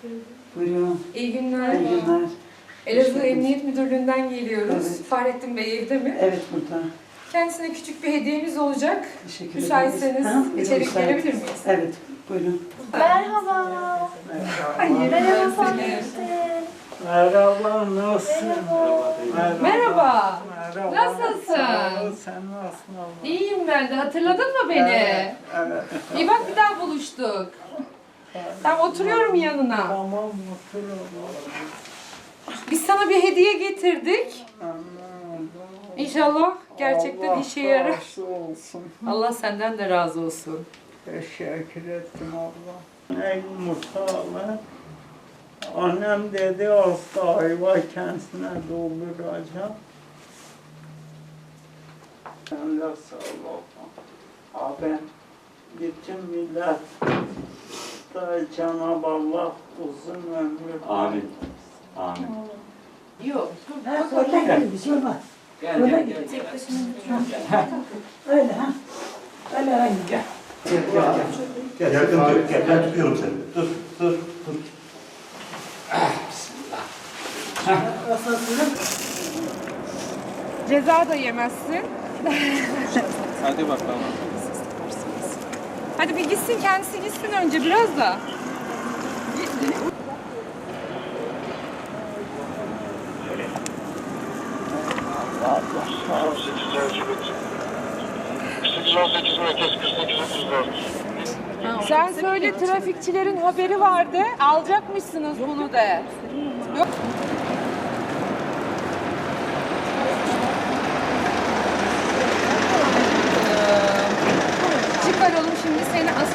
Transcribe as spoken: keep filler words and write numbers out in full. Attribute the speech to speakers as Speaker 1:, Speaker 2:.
Speaker 1: Buyurun.
Speaker 2: İyi günler.
Speaker 1: İyi günler.
Speaker 2: Elazığ Emniyet Müdürlüğü'nden geliyoruz.
Speaker 1: Evet.
Speaker 2: Fahrettin Bey evde mi?
Speaker 1: Evet, burada.
Speaker 2: Kendisine küçük bir hediyemiz olacak.
Speaker 1: Teşekkür ederiz.
Speaker 2: Müsaitseniz
Speaker 1: Ha,
Speaker 2: içeri
Speaker 1: müsait.
Speaker 2: gelebilir miyiz?
Speaker 1: Evet, buyurun.
Speaker 3: Merhaba.
Speaker 2: Hayır.
Speaker 3: Merhaba
Speaker 2: ben
Speaker 3: Fahrettin.
Speaker 4: Merhaba, nasılsın?
Speaker 2: Merhaba. Merhaba.
Speaker 4: Merhaba.
Speaker 2: Nasılsın?
Speaker 4: Sağ ol, sen nasılsın abla?
Speaker 2: İyiyim ben de. Hatırladın mı beni?
Speaker 4: Evet, evet.
Speaker 2: İyi bak bir daha buluştuk. Ben oturuyorum yanına.
Speaker 4: Tamam, mutlu ol.
Speaker 2: Biz sana bir hediye getirdik.
Speaker 4: Aman,
Speaker 2: İnşallah gerçekten
Speaker 4: Allah
Speaker 2: işe yarar.
Speaker 4: razı olsun.
Speaker 2: Allah senden de razı olsun.
Speaker 4: Teşekkür ettim abla. Ey Mustafa, annem dedi hasta ayva kendisine dolduracağım. Sen de sağ ol abla. Abi, bütün millet da Cenab-ı Allah uzun ömür.
Speaker 5: Amin. Amin.
Speaker 2: Yok.
Speaker 1: Oradan bir şey olmaz.
Speaker 5: Gel gel gel.
Speaker 1: Öyle ha. Öyle aynı. Gel.
Speaker 5: Gel gel gel. Gel yakın dur. Gel ben tutuyorum seni. Dur dur dur.
Speaker 2: Ceza da yemezsin.
Speaker 6: Hadi bakalım.
Speaker 2: Hadi bir gitsin, kendisi gitsin önce biraz da. Sen söyle, trafikçilerin haberi vardı. Alacakmışsınız bunu de. Yok. Çıkaralım şimdi seni.